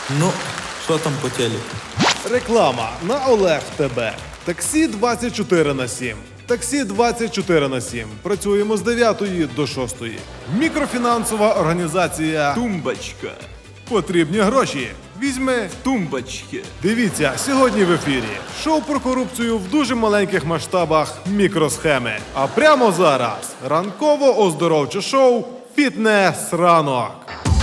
Ну, що там по телеку? Реклама на Олег ТБ. Таксі 24/7. Таксі 24/7. Працюємо з 9 до 6. Мікрофінансова організація Тумбочка. «Потрібні гроші». Візьми. Тумбочки. Дивіться, сьогодні в ефірі шоу про корупцію в дуже маленьких масштабах мікросхеми. А прямо зараз ранково-оздоровче шоу «Фітнес ранок».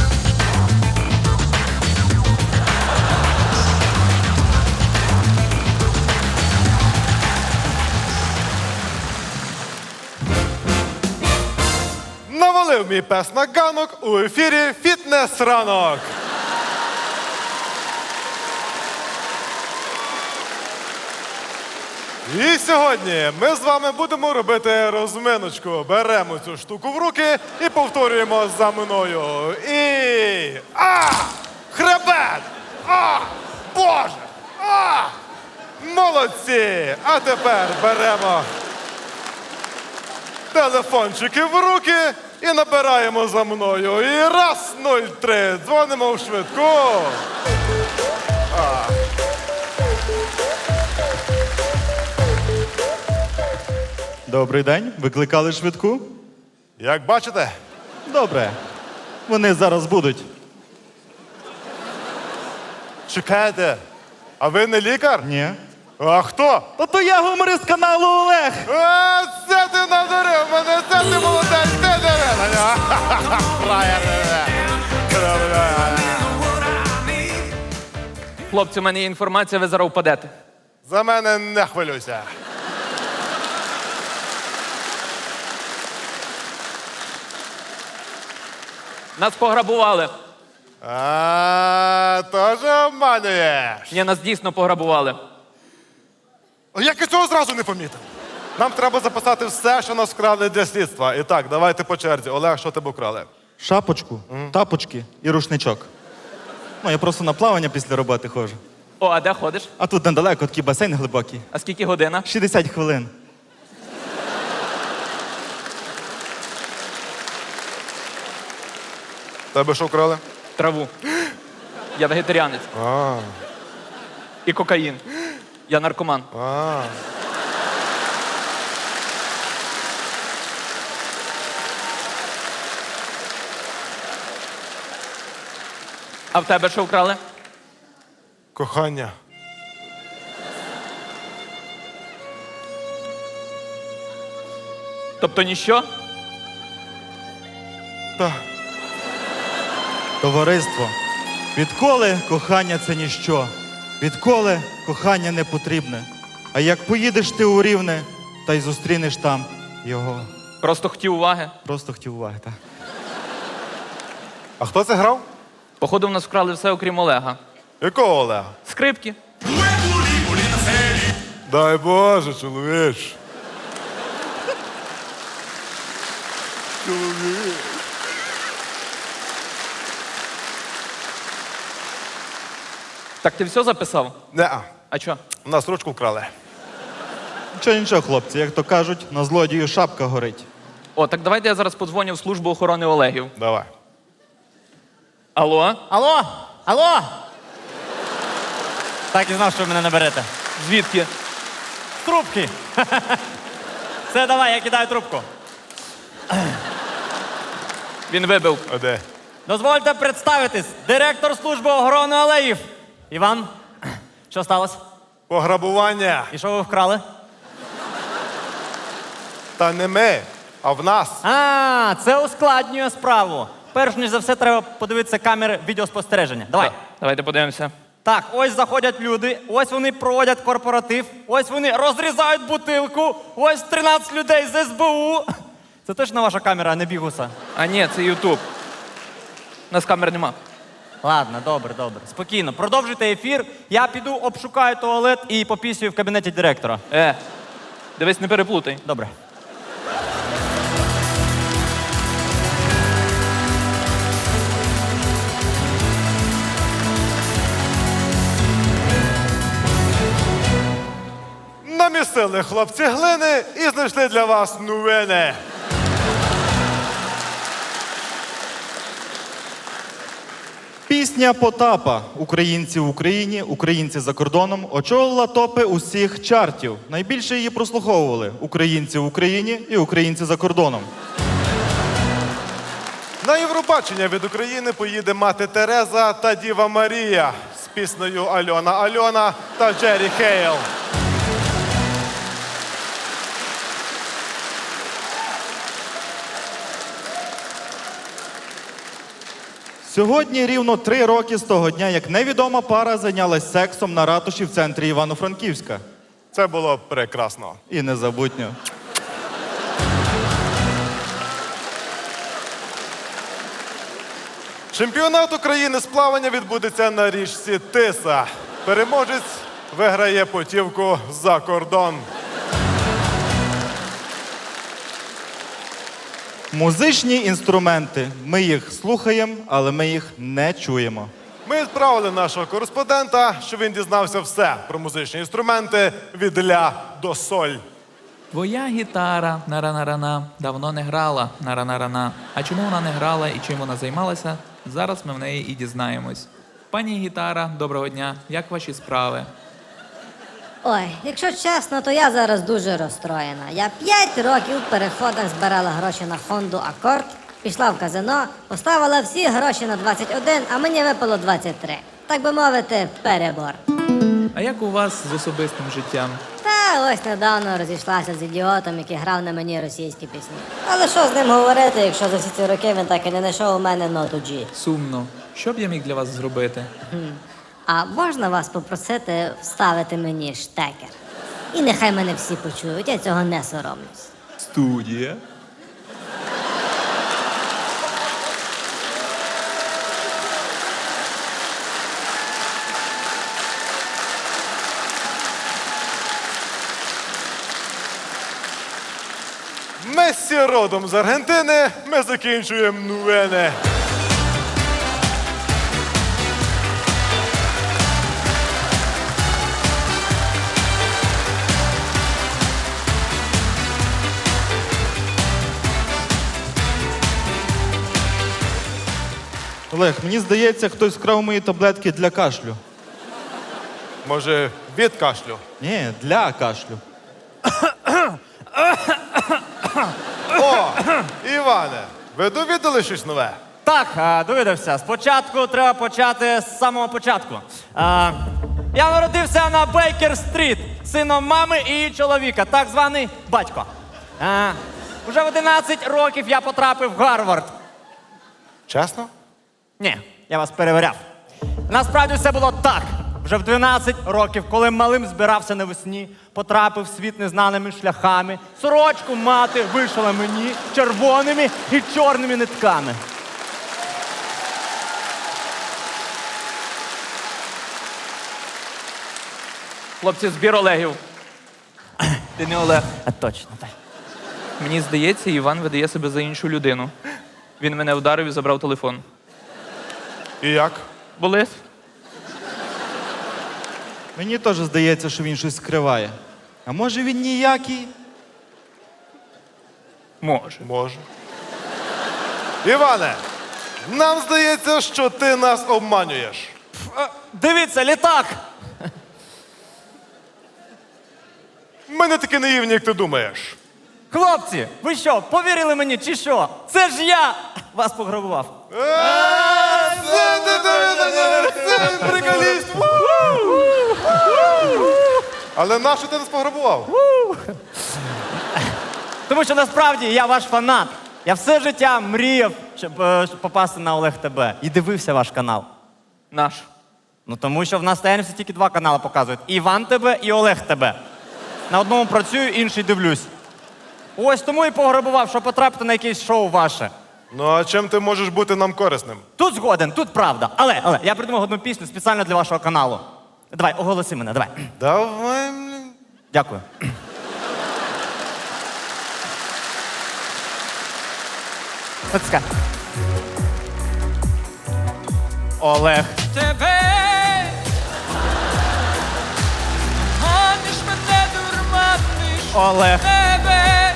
Навалив мій пес на ганок у ефірі «Фітнес ранок». І сьогодні ми з вами будемо робити розминочку. Беремо цю штуку в руки і повторюємо за мною. І... Хребет! Боже! Молодці! А тепер беремо телефончики в руки і набираємо за мною. І раз, 03, дзвонимо в швидку. Добрий день. Викликали швидку? Як бачите, Добре. Вони зараз будуть. чекайте. А ви не лікар? Ні. А хто? Та то я гуморист каналу Олег. Це ти надурив мене, це ти молодець, ти деревня. Хлопці, у мене є інформація, ви зараз впадете. За мене не хвилюйся. Нас пограбували. Теж обманюєш. Ні, нас дійсно пограбували. Як я цього зразу не помітив? Нам треба записати все, що нас вкрали для слідства. І так, давайте по черзі. Олег, що тебе вкрали? Шапочку, тапочки і рушничок. Ну, я просто на плавання після роботи ходжу. О, а де ходиш? А тут недалеко такий басейн глибокий. А скільки година? 60 хвилин. Тебе що вкрали? Траву. Я вегетаріанець. І кокаїн. Я наркоман. А в тебе що вкрали? Кохання. Тобто ніщо? Так. Товариство. Відколи кохання це ніщо? Відколи кохання не потрібне? А як поїдеш ти у Рівне, та й зустрінеш там його. Просто хотів уваги. Просто хотів уваги, так. А хто це грав? Походу, в нас вкрали все, окрім Олега. Якого Олега? Скрипки. Дай Боже, чоловіч. Чоловіч. Так ти все записав? Неа. А що? У нас ручку вкрали. Нічого, хлопці, як то кажуть, на злодію шапка горить. О, так давайте я зараз подзвоню в службу охорони Олегів. Давай. Алло? Алло? Алло? Так і знав, що ви мене наберете. Звідки? Трубки. Все, давай, я кидаю трубку. Він вибив. А де? Дозвольте представитись. Директор служби охорони алеїв. Іван, що сталося? Пограбування. І що ви вкрали? Та не ми, а в нас. А, це ускладнює справу. Перш ніж за все, треба подивитися камери відеоспостереження. Давай. Давайте подивимося. Так, ось заходять люди, ось вони проводять корпоратив, ось вони розрізають бутилку, ось 13 людей з СБУ. Це точно ваша камера, а не бігуса? А ні, це Ютуб. У нас камер нема. Ладно, добре, добре. Спокійно. Продовжуйте ефір. Я піду обшукаю туалет і попісюю в кабінеті директора. Дивись, не переплутай. Добре. Намісили хлопці глини і знайшли для вас новини. Пісня Потапа «Українці в Україні, українці за кордоном» очолила топи усіх чартів. Найбільше її прослуховували українці в Україні і українці за кордоном. На Євробачення від України поїде мати Тереза та Діва Марія з піснею Альона Альона та Джері Хейл. Сьогодні рівно 3 роки з того дня, як невідома пара зайнялась сексом на ратуші в центрі Івано-Франківська. Це було прекрасно. І незабутньо. Чемпіонат України з плавання відбудеться на річці Тиса. Переможець виграє путівку за кордон. Музичні інструменти. Ми їх слухаємо, але ми їх не чуємо. Ми відправили нашого кореспондента, щоб він дізнався все про музичні інструменти від ля до соль. Твоя гітара на-ра-на-ра-на давно не грала на-ра-на-ра-на. А чому вона не грала і чим вона займалася, зараз ми в неї і дізнаємось. Пані гітара, доброго дня. Як ваші справи? Ой, якщо чесно, то я зараз дуже розстроєна. Я 5 років в переходах збирала гроші на Хонду Акорд, пішла в казино, поставила всі гроші на 21, а мені випало 23. Так би мовити, перебор. А як у вас з особистим життям? Та ось недавно розійшлася з ідіотом, який грав на мені російські пісні. Але що з ним говорити, якщо за всі ці роки він так і не знайшов у мене ноту G? Сумно. Що б я міг для вас зробити? А можна вас попросити вставити мені штекер? І нехай мене всі почують, я цього не соромлюсь. Студія. Мессі родом з Аргентини, ми закінчуємо новини. Олег, мені здається, хтось вкрав мої таблетки для кашлю. Може, від кашлю? Ні, для кашлю. О, Іване, ви довідали щось нове? Так, довідався. Спочатку треба почати з самого початку. Я народився на Бейкер-стріт, сином мами і чоловіка, так званий батько. Уже в 11 років я потрапив в Гарвард. Чесно? Ні, я вас перевіряв. Насправді все було так. Вже в 12 років, коли малим збирався навесні, потрапив в світ незнаними шляхами. Сорочку мати вишила мені червоними і чорними нитками. Хлопці, збір Олегів. Ти не Олег. Точно, так. Мені здається, Іван видає себе за іншу людину. Він мене вдарив і забрав телефон. І як? Болить? Мені теж здається, що він щось скриває. А може він ніякий? Може. Може. Іване, нам здається, що ти нас обманюєш. Дивіться, літак! Ми не такі наївні, як ти думаєш. Хлопці, ви що, повірили мені чи що? Це ж я вас пограбував. Це приколіст! Але нащо ти нас пограбував? Тому що насправді я ваш фанат. Я все життя мріяв, щоб попасти на Олег ТБ. І дивився ваш канал. Наш. Ну тому що в нас таємниці тільки 2 канали показують. Іван ТБ і Олег ТБ. На одному працюю, інший дивлюсь. Ось тому і пограбував, щоб потрапити на якесь шоу ваше. Ну а чим ти можеш бути нам корисним? Тут згоден, тут правда. Але, я придумав одну пісню спеціально для вашого каналу. Давай, оголоси мене, давай. Давай, блін. Дякую. Отска. Олег. Тебе маниш мене, дурманиш Олег. тебе,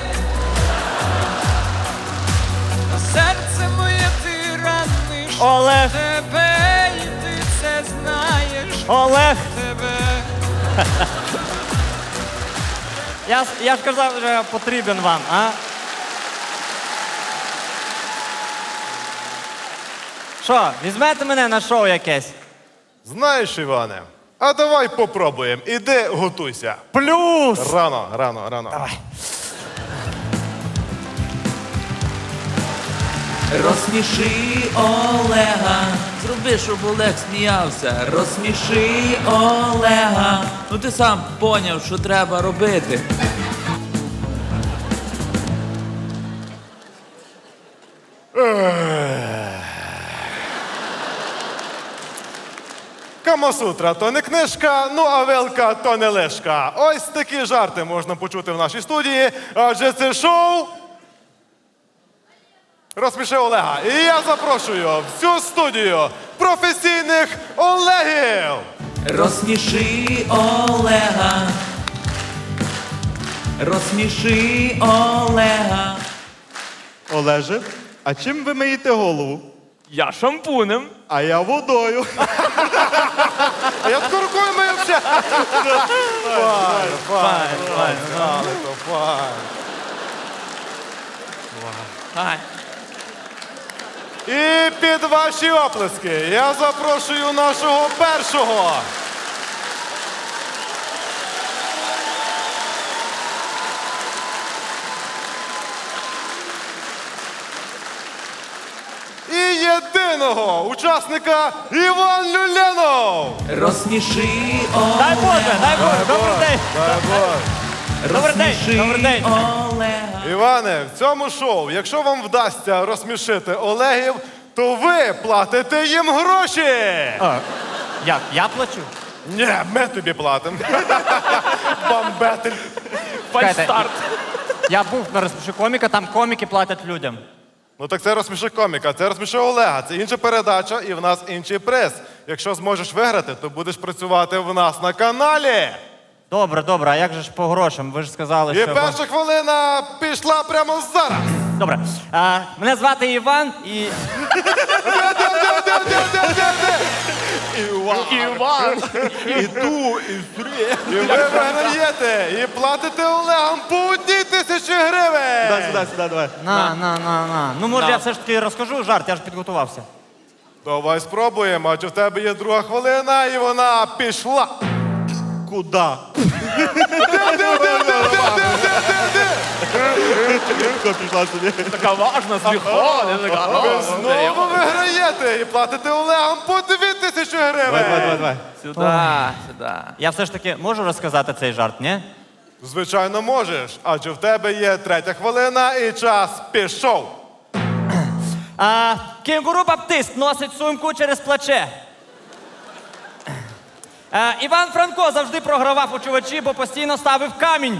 а серце моє ти раниш Олег. тебе, Олег. тебе. Я ж казав, що я потрібен вам, а? Що, візьмете мене на шоу якесь? Знаєш, Іване, а давай попробуємо. Іди готуйся. Плюс! Рано. Давай. Розсміши Олега. Зроби, щоб Олег сміявся. Розсміши Олега. Ну ти сам поняв, що треба робити. Камасутра то не книжка, ну а велка то не лишка. Ось такі жарти можна почути в нашій студії, адже це шоу «Розсміши Олега». І я запрошую в цю студію професійних Олегів. Розсміши Олега. Розсміши Олега. Олеже, а чим ви миєте голову? Я шампунем. А я водою. А я тако рукою мию вже. Ай. І під ваші оплески я запрошую нашого першого. І єдиного учасника Іван Люленов. Розсміши Дай Боже, дай Боже, Олега. добрий день. Добрий день, Розсміши добрий день. Олега. Іване, в цьому шоу, якщо вам вдасться розсмішити Олегів, то ви платите їм гроші. Як? Я плачу? Ні, ми тобі платимо. Бамбетель. Фальстарт. Я був на розпиші коміка, там коміки платять людям. Ну так це розсміши коміка, це розсміши Олега. Це інша передача і в нас інший приз. Якщо зможеш виграти, то будеш працювати в нас на каналі. Добре, добре, а як же ж по грошам? Ви ж сказали, І що... перша хвилина пішла прямо зараз. Добре. Мене звати Іван і... Іван. І ви виграєте, і платите Олегам по 1000 гривень. Сюди, давай. На. Ну, може, я все ж таки розкажу жарт, я ж підготувався. Давай спробуємо, адже в тебе є друга хвилина, і вона пішла. Куда? Пішла собі. Така важна, сміхова. Ви знову виграєте і платите Олегам по 2000 гривень. Давай. Сюди. Я все ж таки можу розказати цей жарт, ні? Звичайно, можеш, адже в тебе є третя хвилина і час пішов. Кенгуру Баптист носить сумку через плече. Іван Франко завжди програвав у чувачі, бо постійно ставив камінь.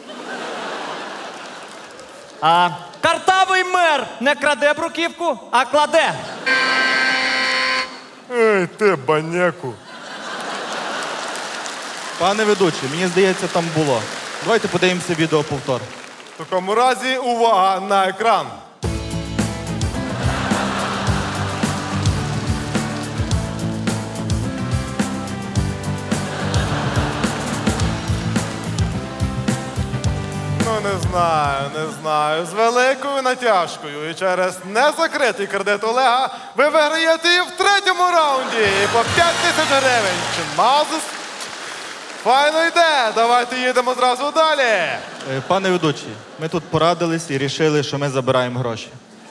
Картавий мер не краде бруківку, а кладе. Ей, ти баняку. Пане ведучий, мені здається, там було. Давайте подивимося відеоповтор. В такому разі увага на екран. Ну, не знаю. З великою натяжкою і через незакритий кредит Олега ви виграєте і в третьому раунді. І по 5000 гривень. Чимазус. Файно йде. Давайте їдемо зразу далі. Пане ведучий, ми тут порадились і рішили, що ми забираємо гроші.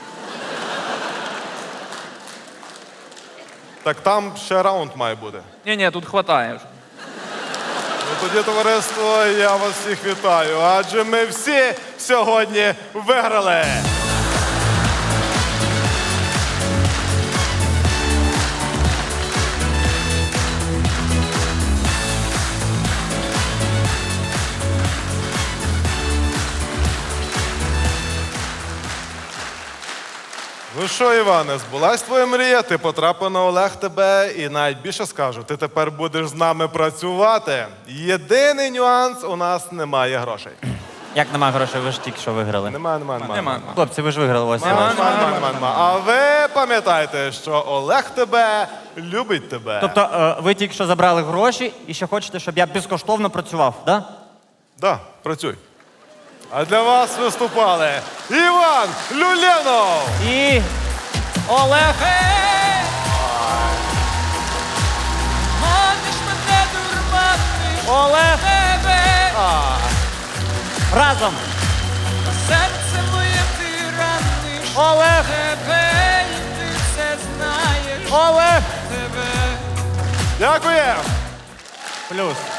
Так там ще раунд має бути. Ні, тут хватає вже. Ну, тоді, товариство, я вас всіх вітаю, адже ми всі сьогодні виграли. Ну що, Іване, збулась твоя мрія, ти потрапив на Олег тебе і навіть більше скажу, ти тепер будеш з нами працювати. Єдиний нюанс, у нас немає грошей. Як нема грошей, ви ж тільки що виграли. Нема. Хлопці, ви ж виграли ось. Нема. А ви пам'ятаєте, що Олег тебе любить тебе. Тобто ви тільки що забрали гроші і ще хочете, щоб я безкоштовно працював, да? Да, працюй. А для вас виступали Іван Люленов, І Олег. Маниш мене, дурманиш Олег. тебе. Разом. Серце моє ти раниш Олег. тебе, і ти все знаєш Олег. тебе. дякуємо! Плюс.